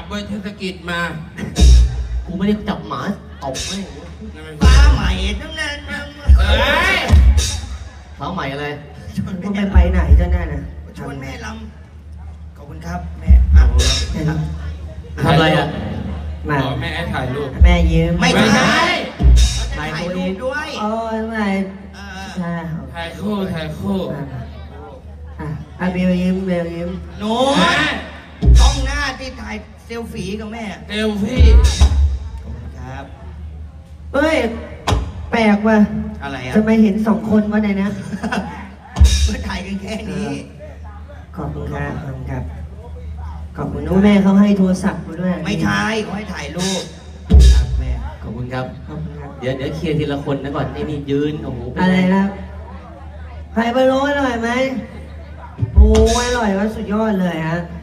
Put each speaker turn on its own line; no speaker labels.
เบอร์เทศกิจมา
กูไม่ได้จับหมาตบแม่ง
ฟ้าใหม่ทั้งนั้น
เอ้ย
เท้าใหม่อะไร
มึงไปไหนเจ้าหน้าน่ะ
ชวนแม่ลำขอบคุณครับแม่อ่ะ
ทำอะไรอ่ะ
มา
ขอแม่ให้ถ่ายรูป
แม่ยืม
ไม่ใช่
ถ่าย
ถ่าย
ตัวเอ
รู
ง
ปด้วย
โอ้ยไม่
เออ
ใช่
ถ่ายคู่ถ่ายคู่
อ่ะเบลยิ้มเบลยิ้ม
โน้ตกล้องหน้าที่ถ่ายเซลฟี่กับแม่
เอลพี่
ขอบคุณครับ
เฮ้ยแปลกว่ะ
อะไรอ่ะ
ทำไมเห็นสองคนวะในนะ
เพื่อถ่ายกันแค่นี้
ขอบคุณครับขอบคุณครับขอบคุณน้องแม่เขาให้โทรศัพท์มาด้วย
ไม่ใช่เขาให้ถ่ายรูปครับแม่
ขอบคุณครับ
ขอบคุณครับ
เดี๋ยวเคลียร์ทีละคนนะก่อนนี่ยืนโอ้โหเป็น
อะไรครับไข่พะโล้อร่อยไหมโอ้ยอร่อยว่าสุดยอดเลยฮะ